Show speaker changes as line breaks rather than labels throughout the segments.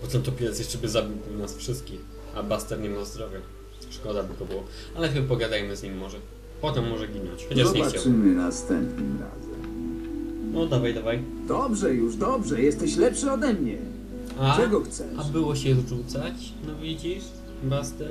Potem topielec jeszcze by zabił nas wszystkich, a Buster nie ma zdrowia. Szkoda by go było. Ale chyba pogadajmy z nim może. Potem może ginąć, chociaż nie chciał.
Zobaczymy następnym razem.
No dawaj, dawaj.
Dobrze, już dobrze, jesteś lepszy ode mnie. Czego chcesz?
A było się rzucać? No widzisz, Buster?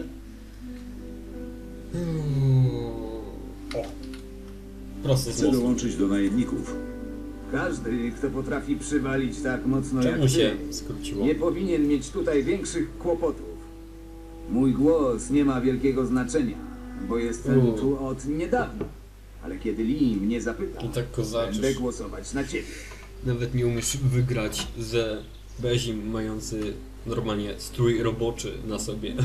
O! Prosto z
Chcę
mostu.
dołączyć do najemników.
Każdy, kto potrafi przywalić tak mocno
Czemu
jak
się
ty,
skróciło?
nie powinien mieć tutaj większych kłopotów. Mój głos nie ma wielkiego znaczenia, bo jestem tu od niedawna. Ale kiedy Lee mnie zapyta,
I tak kozaczysz.
będę głosować na ciebie.
Nawet nie umiesz wygrać ze Bezim mający normalnie strój roboczy na sobie.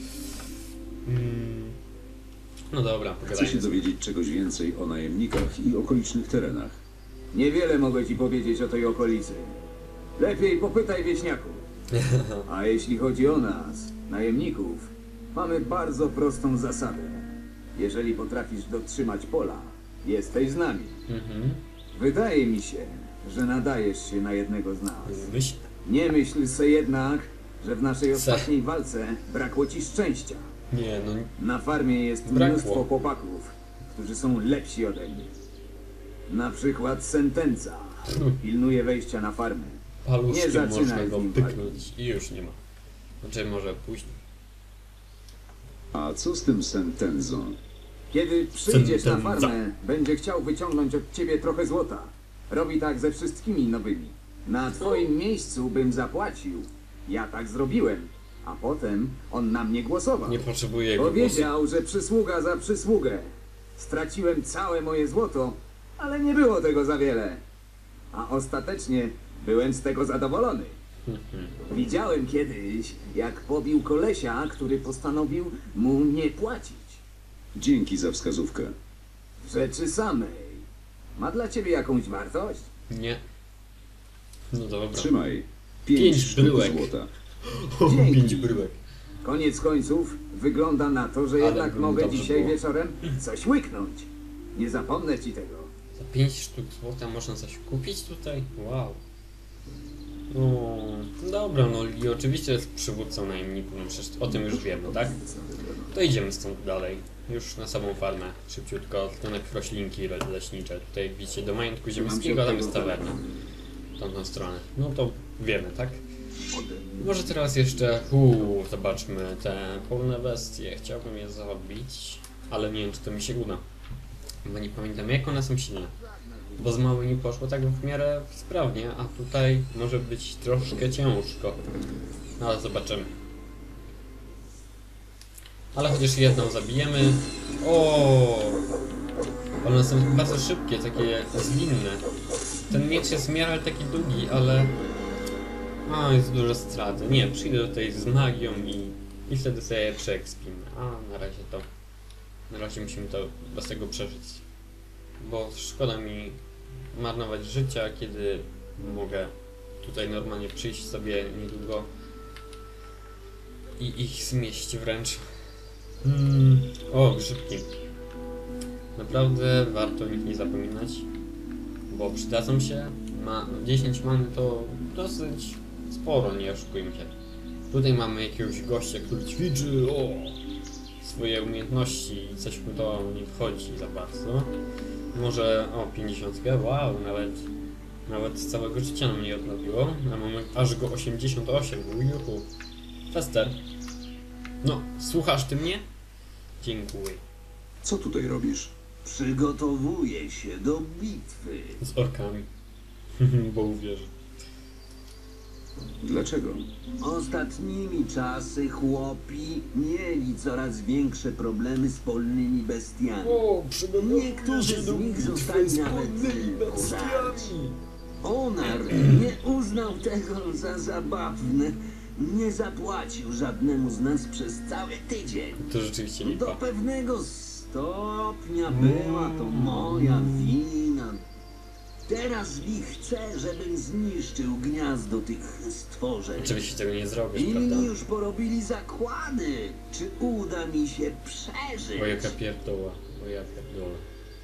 No dobra,
Chcę się
pogadajmy.
dowiedzieć czegoś więcej o najemnikach i okolicznych terenach.
Niewiele mogę ci powiedzieć o tej okolicy. Lepiej popytaj wieśniaków. A jeśli chodzi o nas, najemników, mamy bardzo prostą zasadę. Jeżeli potrafisz dotrzymać pola, jesteś z nami. Wydaje mi się, że nadajesz się na jednego z nas.
Myśl?
Nie myśl se jednak, że w naszej ostatniej walce brakło ci szczęścia.
Nie, no
Na farmie jest
Brakło.
mnóstwo chłopaków, którzy są lepsi ode mnie. Na przykład Sentenza. Pilnuje wejścia na farmę. Nie
paluszkiem
zaczynaj
można
z
go
nim
pyknąć i już nie ma. Znaczy może później.
A co z tym Sentenzą?
Kiedy przyjdziesz na
Sentenza.
farmę, będzie chciał wyciągnąć od ciebie trochę złota. Robi tak ze wszystkimi nowymi. Na twoim miejscu bym zapłacił. Ja tak zrobiłem. A potem on na mnie głosował.
Nie potrzebuję jego głosu.
Powiedział, że przysługa za przysługę. Straciłem całe moje złoto, ale nie było tego za wiele. A ostatecznie byłem z tego zadowolony. Widziałem kiedyś, jak pobił kolesia, który postanowił mu nie płacić.
Dzięki za wskazówkę.
W rzeczy samej. Ma dla ciebie jakąś wartość?
Nie. No dobra.
Trzymaj.
5
5 sztuk
bryłek.
złota.
Dzięki.
5 bryłek.
Koniec końców wygląda na to, że
Ale
jednak
bym
mogę
dobrze
dzisiaj
było.
wieczorem coś łyknąć. Nie zapomnę ci tego.
Za 5 sztuk złota można coś kupić tutaj? Wow. No, dobra, no i oczywiście jest przywódcą najemników, no przecież o tym już wiemy, tak? To idziemy stąd dalej, już na samą farmę, szybciutko, tenek roślinki leśnicze. Tutaj widzicie, do majątku ziemskiego, tam jest tawerna, w tamtą stronę. No to wiemy, tak? Może teraz jeszcze, zobaczmy te pełne bestie, chciałbym je zabić, ale nie wiem, czy to mi się uda. Bo nie pamiętam, jak one są silne. Bo z małymi poszło tak w miarę sprawnie, a tutaj może być troszkę ciężko. No, ale zobaczymy. Ale chociaż jedną zabijemy. O! One są bardzo szybkie, takie zwinne. Ten miecz jest w miarę taki długi, ale... A, jest duże straty. Nie, przyjdę tutaj z magią i wtedy sobie przeekspimy. A, na razie to... Na razie musimy to bez tego przeżyć. Bo szkoda mi marnować życia, kiedy mogę tutaj normalnie przyjść sobie niedługo i ich zmieść wręcz. O, grzybki. Naprawdę warto o nich nie zapominać, bo przydadzą się. 10 many to dosyć sporo, nie oszukujmy się. Tutaj mamy jakiegoś gościa, który ćwiczy swoje umiejętności i coś mu to nie wchodzi za bardzo. Może, 50, wow, nawet z całego życia nam nie odrobiło. Na moment aż go 88, juhu. Fester. No, słuchasz ty mnie? Dziękuję.
Co tutaj robisz?
Przygotowuję się do bitwy.
Z orkami. Bo uwierzę.
Dlaczego?
Ostatnimi czasy chłopi mieli coraz większe problemy z polnymi bestiami. Niektórzy z nich zostali nawet pożarci. Onar nie uznał tego za zabawne. Nie zapłacił żadnemu z nas przez cały tydzień.
To rzeczywiście
Do
lipa.
pewnego stopnia była to moja wina. Teraz Lee chce, żebym zniszczył gniazdo tych stworzeń.
Oczywiście tego nie zrobisz, prawda?
Inni już porobili zakłady. Czy uda mi się przeżyć?
Bo jaka pierdoła.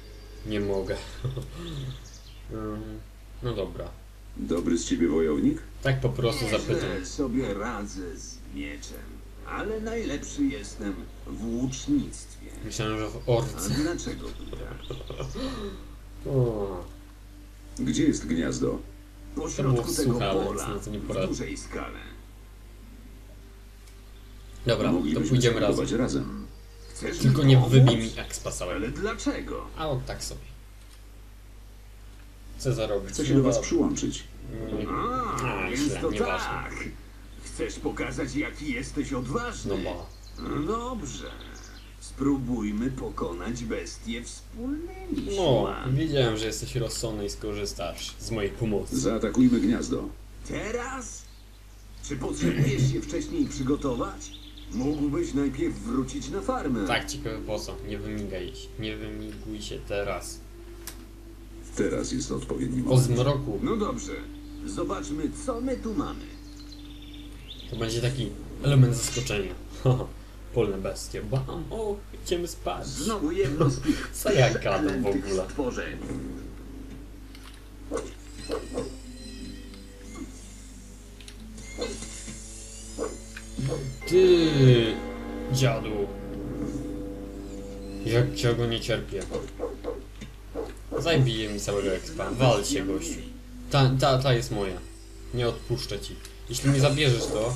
Nie mogę. No dobra.
Dobry z ciebie wojownik?
Tak po prostu zapytam.
Nieźle sobie radzę z mieczem, ale najlepszy jestem w łucznictwie.
Myślałem, że w
A
orce.
dlaczego pytasz?
O,
Gdzie jest gniazdo?
Po
było
środku tego
wsłuchane, więc
pola,
na to nie
w
poradzę.
dużej skale.
Dobra, to
Moglibyśmy
pójdziemy razem.
spróbować razem.
Chcesz
Tylko
mi
nie
pomóc?
wybij mi expa całego.
Ale dlaczego?
A o tak sobie. Chcę zarobić.
Chcę się do was przyłączyć.
A,
Więc
źle,
to
nieważne.
tak. Chcesz pokazać, jaki jesteś odważny?
No bo.
Dobrze. Spróbujmy pokonać bestię wspólnymi
No,
siłami.
wiedziałem, że jesteś rozsądny i skorzystasz z mojej pomocy.
Zaatakujmy gniazdo.
Teraz? Czy potrzebujesz się wcześniej przygotować? Mógłbyś najpierw wrócić na farmę.
Tak, ciekawe po co. Nie wymiguj się teraz.
Teraz jest odpowiedni
Po
moment.
zmroku.
No dobrze. Zobaczmy, co my tu mamy.
To będzie taki element zaskoczenia. Haha, polne bestie. Bam, o, idziemy spać.
Znowu jedno z tych
Co ja gadam w
przeklętych
ogóle?
stworzeń.
Ty, dziadu. Jak ja go nie cierpię. Zajbije mi całego expa. Wal się, gościu. Ta jest moja. Nie odpuszczę ci. Jeśli mi zabierzesz to...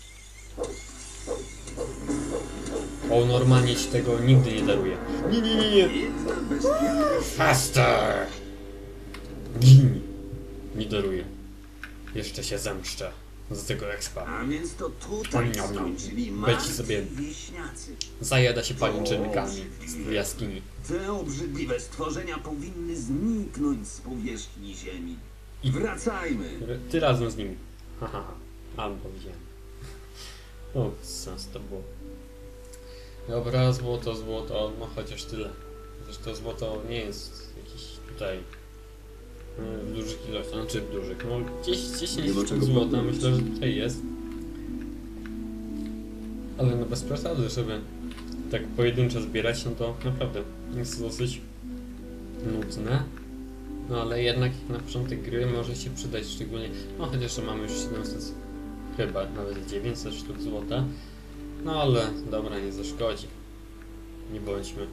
O, normalnie ci tego nigdy nie daruję. Nie.
Jedna bestia.
Faster! Gin! Nie daruję. Jeszcze się zemszczę z tego expa.
A więc to tutaj
Niam, niam.
skończyli
Weź
martwi
sobie.
wieśniacy.
Zajada się pajęczynkami z jaskini.
Te obrzydliwe stworzenia powinny zniknąć z powierzchni ziemi. I wracajmy.
Ty razem z nimi. Haha, mam powiedziałem. O, sens to było. Dobra, złoto, no chociaż tyle. Zresztą złoto nie jest jakiś tutaj w dużych ilościach, znaczy w dużych, no 10
Nie ma
sztuk
czego
złota
podrobić.
myślę, że tutaj jest. Ale no bez przesady, żeby tak pojedynczo zbierać, no to naprawdę jest dosyć nudne. No ale jednak na początek gry może się przydać szczególnie, no chociaż mamy już 700, chyba nawet 900 sztuk złota. No ale dobra, nie zaszkodzi. Nie bądźmy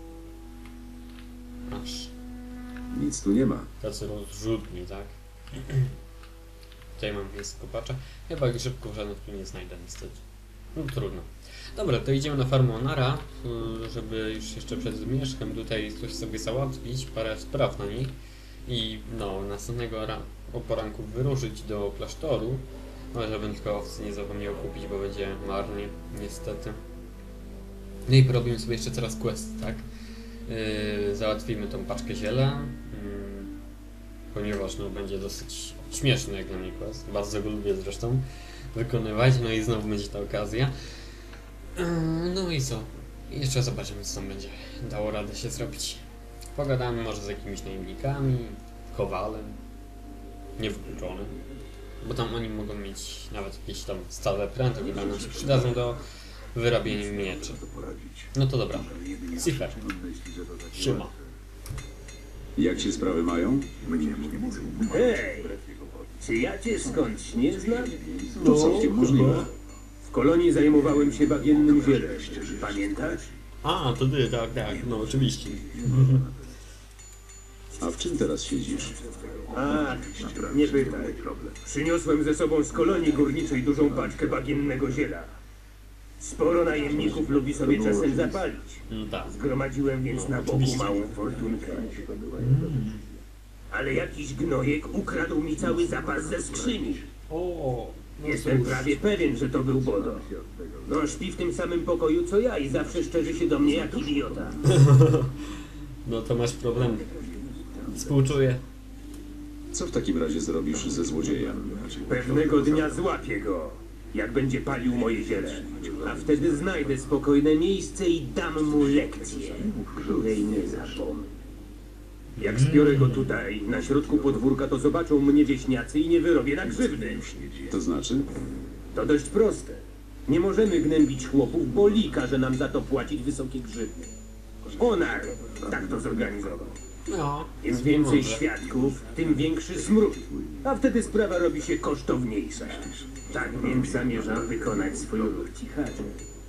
aż
Nic tu nie ma.
tacy rozrzutni, tak? Tutaj mam miejsce kopacza. Chyba grzybków żadnych tu nie znajdę niestety. No trudno. Dobra, to idziemy na farmę Onara, żeby już jeszcze przed zmierzchem tutaj coś sobie załatwić, parę spraw na nich. I no, następnego o poranku wyruszyć do klasztoru. No, żebym tylko owcy nie zapomniał kupić, bo będzie marnie, niestety. No i porobimy sobie jeszcze teraz quest, tak? Załatwimy tą paczkę ziela, ponieważ no, będzie dosyć śmieszny jak dla mnie quest. Bardzo go lubię zresztą wykonywać, no i znowu będzie ta okazja. No i co? I jeszcze zobaczymy, co tam będzie dało radę się zrobić. Pogadamy może z jakimiś najemnikami, kowalem, niewykluczonym. Bo tam oni mogą mieć nawet jakieś tam stałe pręty, które nam się przydadzą do wyrabiania mieczy. No to dobra. Cifer. Siema.
Jak się sprawy mają?
Hej! Czy ja cię skądś nie znam?
To całkiem możliwe.
W kolonii zajmowałem się bagiennym zielem. Pamiętasz?
A, to ty, tak, no oczywiście.
A w czym teraz siedzisz?
Ach, nie pytaj. Przyniosłem ze sobą z kolonii górniczej dużą paczkę bagiennego ziela. Sporo najemników lubi sobie czasem zapalić.
No tak.
Zgromadziłem więc na boku
oczywiście.
małą fortunkę. Ale jakiś gnojek ukradł mi cały zapas ze skrzyni.
O, no
Jestem
cóż.
prawie pewien, że to był Bodo. No, śpi w tym samym pokoju co ja i zawsze szczerzy się do mnie jak idiota.
No to masz problem. Współczuję.
Co w takim razie zrobisz ze złodziejem?
Pewnego dnia złapię go, jak będzie palił moje ziele. A wtedy znajdę spokojne miejsce i dam mu lekcję, której nie zapomnę. Jak zbiorę go tutaj, na środku podwórka, to zobaczą mnie wieśniacy i nie wyrobię na grzywny.
To znaczy?
To dość proste. Nie możemy gnębić chłopów, bo Li każe nam za to płacić wysokie grzywny. Onar tak to zorganizował.
No,
Im więcej
mądre.
świadków, tym większy smród. A wtedy sprawa robi się kosztowniejsza. Tak więc zamierzam wykonać swój ruch cichaczy.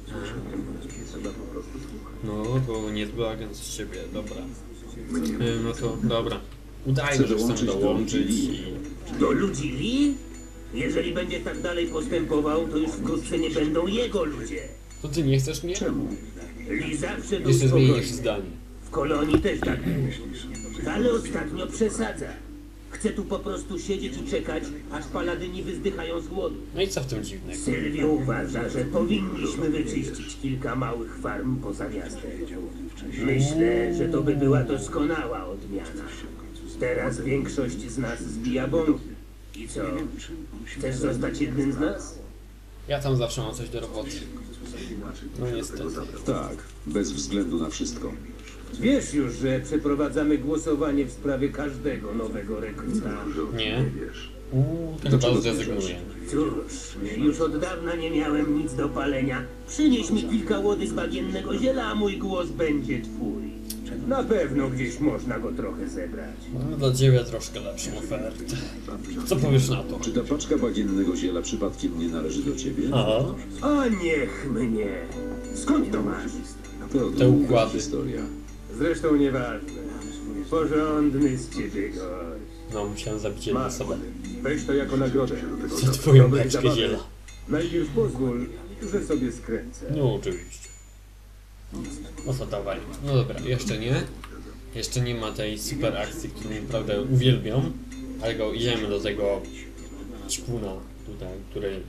No, to niezły agent z ciebie, dobra. No to dobra. Udajmy,
Chcę
że chcę
dołączyć do
dołączyć
ludzi
i...
Do ludzi Lee? Jeżeli będzie tak dalej postępował, to już wkrótce nie będą jego ludzie.
To ty nie chcesz mnie?
Czemu?
Lee zawsze był
Jeszcze
spokojny.
zmienisz zdanie.
W kolonii też tak było. Ale ostatnio przesadza. Chce tu po prostu siedzieć i czekać, aż paladyni wyzdychają z głodu.
No i co w tym dziwnego?
Sylwia uważa, że powinniśmy wyczyścić kilka małych farm poza miastem. Myślę, że to by była doskonała odmiana. Teraz większość z nas zbija bąki. I co? Chcesz zostać jednym z nas?
Ja tam zawsze mam coś do roboty. No niestety.
Tak, bez względu na wszystko.
Wiesz już, że przeprowadzamy głosowanie w sprawie każdego nowego rekruta.
Nie? To chyba zrezygnuję.
Cóż, już od dawna nie miałem nic do palenia. Przynieś mi kilka łodyg bagiennego ziela, a mój głos będzie twój. Na pewno gdzieś można go trochę zebrać.
Mam dla ciebie troszkę lepszą ofertę. Co powiesz na to?
Czy ta paczka bagiennego ziela przypadkiem nie należy do ciebie?
Aha.
A niech mnie. Skąd to masz?
To
Te
długa
układy.
historia.
Zresztą nieważne. Porządny z ciebie gość.
No, musiałem zabić jedną osobę.
Weź to jako nagrodę.
Za twoją
Dobrej
paczkę
zabawy.
ziela.
Najpierw pozwól, że sobie skręcę.
No, oczywiście. No to dawaj. No dobra, jeszcze nie. Jeszcze nie ma tej super akcji, którą naprawdę uwielbiam. Ale idziemy do tego ćpuna tutaj, który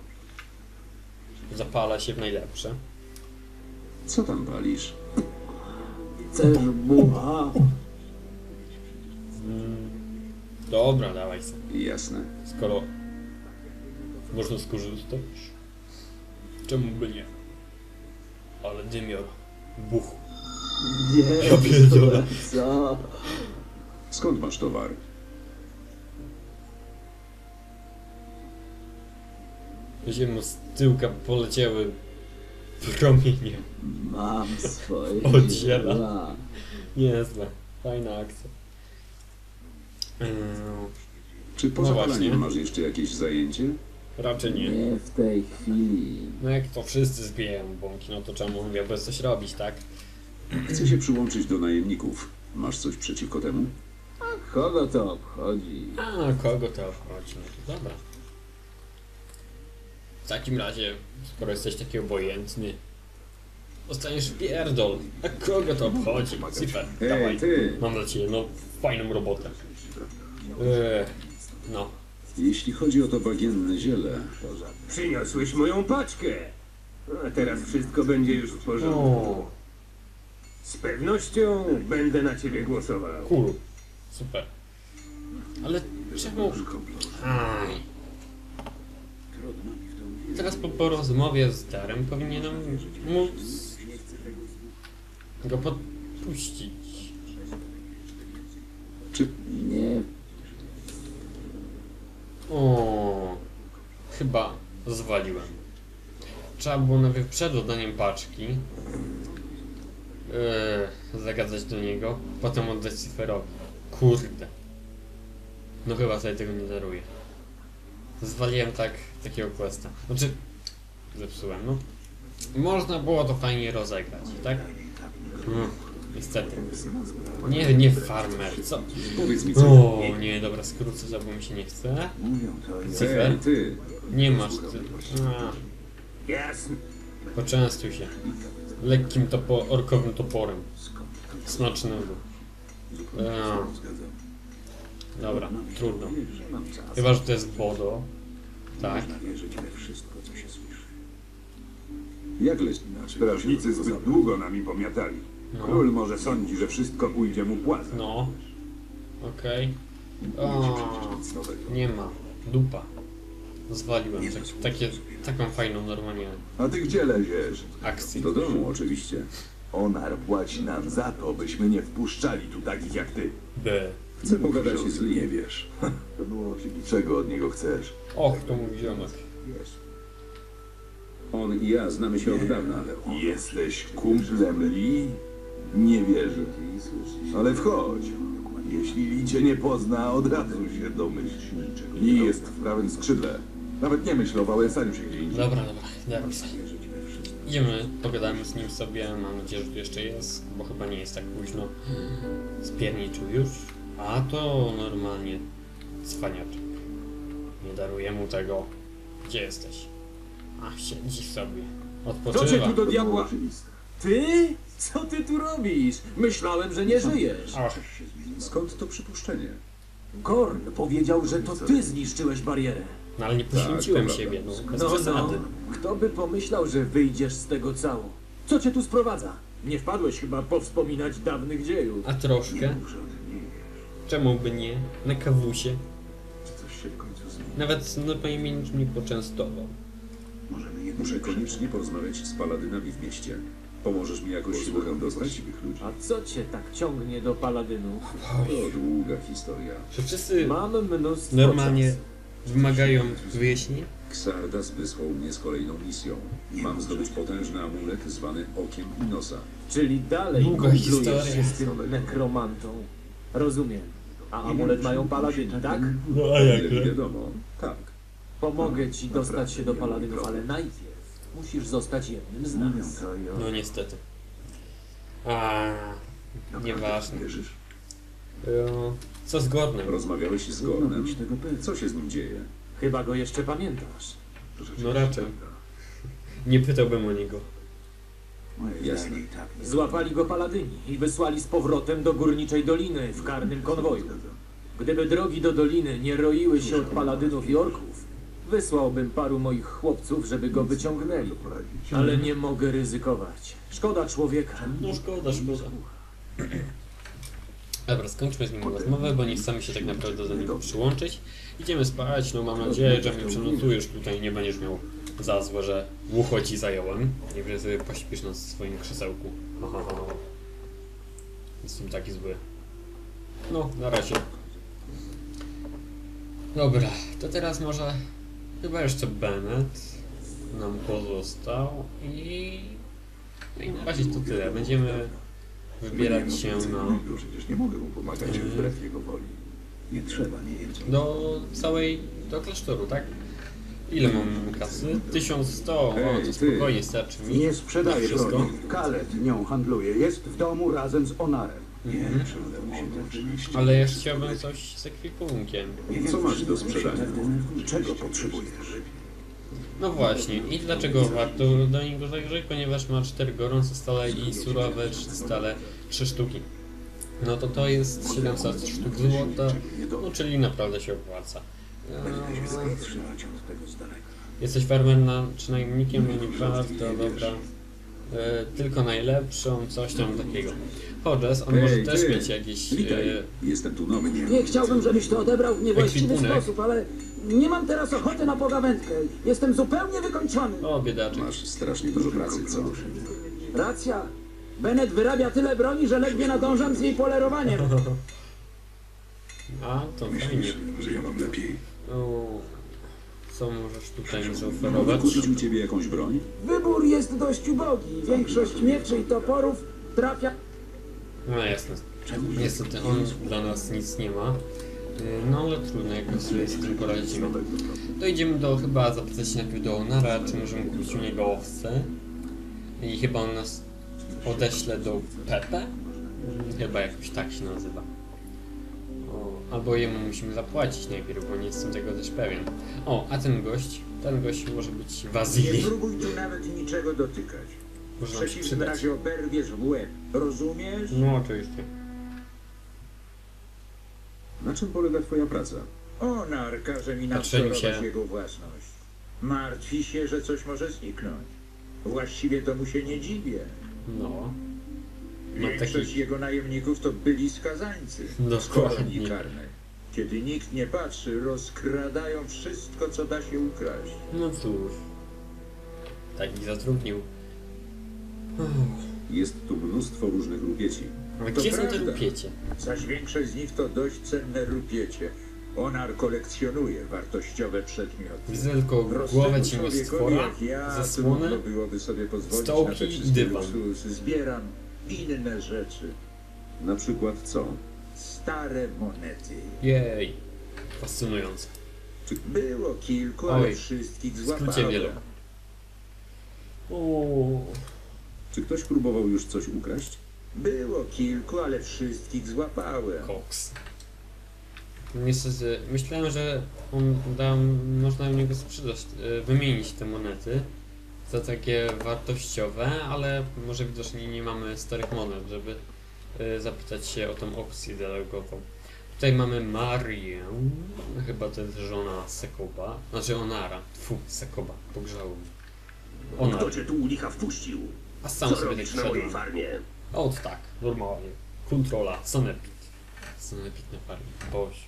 zapala się w najlepsze.
Co tam palisz?
Chcesz bucha?
Dobra, dawaj sobie.
Jasne.
Skoro można skorzystać, czemu by nie? Ale dymior, buch.
Nie,
Ja pierdolę.
co?
Skąd masz towar?
Ziemu z tyłka poleciały promienie.
Mam swoje
Od ziela.
dzieła.
Niezłe, fajna akcja.
Czy poza
właśnie.
paleniem masz jeszcze jakieś zajęcie?
Raczej nie.
Nie w tej chwili.
No jak to wszyscy zbijają bąki, no to czemu miałby coś robić, tak?
Chcę się przyłączyć do najemników. Masz coś przeciwko temu?
Kogo to obchodzi?
A kogo to obchodzi? No to dobra. W takim razie, skoro jesteś taki obojętny, dostaniesz pierdol. A kogo to obchodzi? Super, dawaj.
ty!
Mam dla ciebie, no, fajną robotę. No.
Jeśli chodzi o to bagienne ziele,
Przyniosłeś moją paczkę. A teraz wszystko będzie już w porządku.
O,
Z pewnością będę na ciebie głosował.
cool. Super. Ale czemu... Aj. Teraz po rozmowie z Darem powinienem móc go podpuścić.
czy
Nie.
O, chyba zwaliłem. Trzeba było najpierw przed oddaniem paczki zagadać do niego, potem oddać cyferowi. Kurde. No chyba sobie tego nie daruję. Zwaliłem takiego questa. Znaczy, zepsułem, no. Można było to fajnie rozegrać, tak? Niestety. Nie farmer, co?
powiedz mi co?
O nie, dobra, skrócę, bo mi się nie chce. Cyfer?
Ty!
Nie masz ty. A,
Jasne.
poczęstuj się. Lekkim orkowym toporem. Smacznego. Dobra, trudno. Chyba, że to jest Bodo. Tak.
Jak leci?
Strażnicy zbyt długo nami pomiatali.
No.
Król może sądzi, że wszystko ujdzie mu płazem.
No. Okej. O, nie ma. Dupa. Zwaliłem. Taką fajną normalnie
A ty gdzie leziesz?
akcję.
Do domu oczywiście.
Onar płaci nam za to, byśmy nie wpuszczali tu takich jak ty.
B.
Chcę pogadać z Lee.
wiesz. Czego od niego chcesz?
Och, to mój ziomek.
On i ja znamy się od dawna.
Jesteś kumplem Lee? Nie wierzę. Ale wchodź. Jeśli Li cię nie pozna, od razu się domyśli. Li jest w prawym skrzydle. Nawet nie myśl o wałęsaniu się gdzie indziej.
Dobra. Idziemy, pogadamy z nim sobie, mam nadzieję, że tu jeszcze jest, bo chyba nie jest tak późno. Spierniczył już, a to normalnie cwaniaczek. Nie daruję mu tego. Gdzie jesteś? A, siedzi sobie.
Co cię
Odpoczywa.
tu do diabła?
Oczywiste.
Ty? Co ty tu robisz? Myślałem, że nie żyjesz.
Ach,
Skąd to przypuszczenie?
Korn powiedział, że to ty zniszczyłeś barierę.
no ale nie poświęciłem
Tak, to
siebie, no, bez
No,
przesady.
Kto by pomyślał, że wyjdziesz z tego cało? Co cię tu sprowadza? Nie wpadłeś chyba powspominać dawnych dziejów.
A troszkę? Czemu by nie? Na kawusie.
Coś się w końcu zmieni.
Nawet normalnie mnie poczęstował.
Muszę koniecznie porozmawiać z paladynami w mieście. Pomożesz mi jakoś się do tam dostać?
Właściwych ludzi.
A co cię tak ciągnie do paladynów?
To długa historia.
Że wszyscy
Mam mnóstwo
normalnie
czasu.
wymagają wyjaśnień?
Xardas wysłał mnie z kolejną misją. Mam zdobyć potężny amulet zwany Okiem Inosa.
Czyli dalej
Długa
kumplujesz
historia.
się z tym nekromantą. Rozumiem. A amulet mają paladyni, tak?
No a
Ile mi wiadomo, tak.
Pomogę ci dostać się do paladynów, ale najpierw musisz zostać jednym z nas.
No niestety. A nieważne.
Wierzysz?
Co z Gornem?
Rozmawiałeś z Gornem? Co się z nim dzieje?
Chyba go jeszcze pamiętasz.
No raczej. Nie pytałbym o niego.
Jasne.
Złapali go paladyni i wysłali z powrotem do Górniczej Doliny w karnym konwoju. Gdyby drogi do doliny nie roiły się od paladynów i orków, wysłałbym paru moich chłopców, żeby go wyciągnęli. Ale nie mogę ryzykować. Szkoda człowieka.
No szkoda. Dobra, skończmy z nim rozmowę, bo nie chcemy się tak naprawdę do niego przyłączyć. Idziemy spać, no mam nadzieję, że mnie przenotujesz tutaj, nie będziesz miał za złe, że ucho ci zająłem. Nie wiem, sobie pośpisz na swoim krzesełku. Jestem taki zły. No, na razie. Dobra, to teraz może chyba jeszcze Bennett nam pozostał i... No i na razie to tyle. Będziemy wybierać się na...
Przecież nie mogę mu pomagać wbrew jego woli. Nie trzeba, nie jedzą.
do klasztoru, tak? Ile mam kasy? 1100, o,
Hej,
to
ty.
spokojnie starczy mi.
Nie sprzedaje
Na wszystko.
broni. Kalet nią handluje. Jest w domu razem z Onarem.
Ale ja chciałbym coś z ekwipunkiem.
Co masz do sprzedania?
Czego potrzebujesz?
No właśnie, i dlaczego warto do niego zajrzeć? Ponieważ ma 4 gorące stale i surowe stale 3 sztuki. No to jest 700 sztuk złota, no czyli naprawdę się opłaca. Jesteś farmerem czy najemnikiem, no nie warto, dobra. Tylko najlepszą, coś tam takiego. Hodges, on może też mieć jakieś...
Witaj. Jestem tu nowy.
Nie chciałbym, żebyś to odebrał w niewłaściwy
Ekwipunek.
sposób, ale nie mam teraz ochoty na pogawędkę. Jestem zupełnie wykończony.
O, biedaczek.
Masz strasznie dużo pracy, co?
Racja. Bennett wyrabia tyle broni, że ledwie nadążam z jej polerowaniem.
A, to fajnie.
Że ja mam lepiej.
O, co możesz tutaj mi zaoferować?
Kupić u ciebie jakąś broń?
Wybór jest dość ubogi. Większość mieczy i toporów trafia...
No jasne. Niestety on dla nas nic nie ma. No ale trudno, jakoś sobie z tym poradzimy. To idziemy do, chyba zapytać się najpierw do Onara, czy możemy kupić u niego owce. I chyba on nas odeśle do Pepe? Chyba jakoś tak się nazywa. O, albo jemu musimy zapłacić najpierw, bo nie jestem tego też pewien. O, a ten gość może być
Nie
Wazili.
próbuj tu nawet niczego dotykać. W
Może nam się
przeciwnym
przydać.
razie oberwiesz w łeb. Rozumiesz?
No oczywiście.
Na czym polega twoja praca?
Onar każe mi
Patrzyli
nadzorować
się.
jego własność. Martwi się, że coś może zniknąć. Właściwie to mu się nie dziwię.
No. Ma
Większość
taki...
jego najemników to byli skazańcy z
Dokładnie.
kolonii karnej. Kiedy nikt nie patrzy, rozkradają wszystko, co da się ukraść.
No cóż. Tak ich zatrudnił.
Jest tu mnóstwo różnych rupieci.
Ale
To
gdzie są te
prawda.
rupiecie?
Zaś większość z nich to dość cenne rupiecie. Onar kolekcjonuje wartościowe przedmioty.
Widzę tylko głowę
Prostemu
cieniostwora,
człowiekowi jak ja
zasłonę.
trudno byłoby sobie pozwolić
stołki
na te
i
wszystkie
dywan.
luksusy. Zbieram inne rzeczy.
Na przykład co?
Stare monety.
Jej. Fascynujące.
Było kilku,
Oj,
ale wszystkich
w skrócie wielu.
złapałem.
O,
Czy ktoś próbował już coś ukraść?
Było kilku, ale wszystkich złapałem.
koks. Niestety, myślałem, że można u niego sprzedać, wymienić te monety za takie wartościowe, ale może widocznie nie mamy starych monet, żeby zapytać się o tą opcję dialogową. Tutaj mamy Marię, chyba to jest żona Sekoba, znaczy Onara, Sekoba, pogrzałem. Onar,
Kto cię tu u licha wpuścił?
a sam
Co
sobie tak
robisz na mojej
wszedłem.
farmie?
Ot tak, normalnie. Kontrola, sanepid. Sanepid na farmie, boś.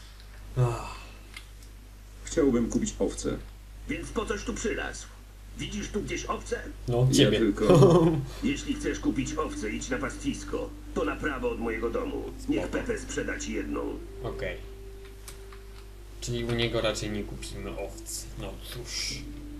Chciałbym kupić owce.
Więc po coś tu przylazł? Widzisz tu gdzieś owce?
No,
Ja
ciebie.
tylko...
Jeśli chcesz kupić owce, idź na pastwisko. To na prawo od mojego domu. Niech Pepe sprzeda ci jedną.
Okej. Czyli u niego raczej nie kupimy owc. No cóż.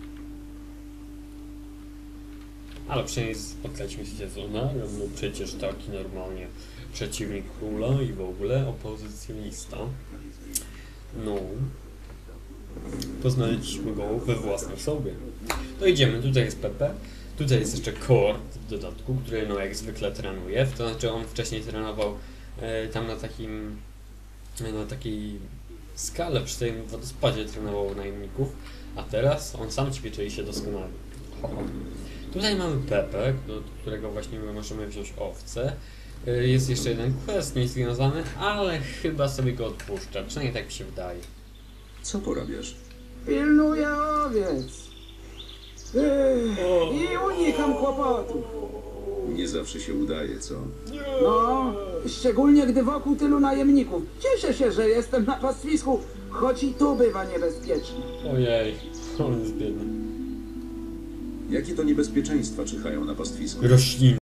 Ale przynajmniej spotkaliśmy się z Onarem, no przecież taki normalnie przeciwnik króla i w ogóle opozycjonista. No. Poznaliśmy go we własnej osobie. No idziemy, tutaj jest Pepe. Tutaj jest jeszcze Kord w dodatku, który no jak zwykle trenuje. To znaczy on wcześniej trenował tam na takiej skale przy tym wodospadzie trenował najemników, a teraz on sam ćwiczy i się doskonale. Tutaj mamy Pepe, do którego właśnie możemy wziąć owce. Jest jeszcze jeden quest niezwiązany, ale chyba sobie go odpuszczę, przynajmniej tak mi się wydaje.
Co porabiasz?
Pilnuję owiec. I unikam kłopotów.
Nie zawsze się udaje, co?
No, szczególnie gdy wokół tylu najemników. Cieszę się, że jestem na pastwisku, choć i tu bywa niebezpiecznie.
Ojej, on jest biedny.
Jakie to niebezpieczeństwa czyhają na pastwisku?
Rośliny.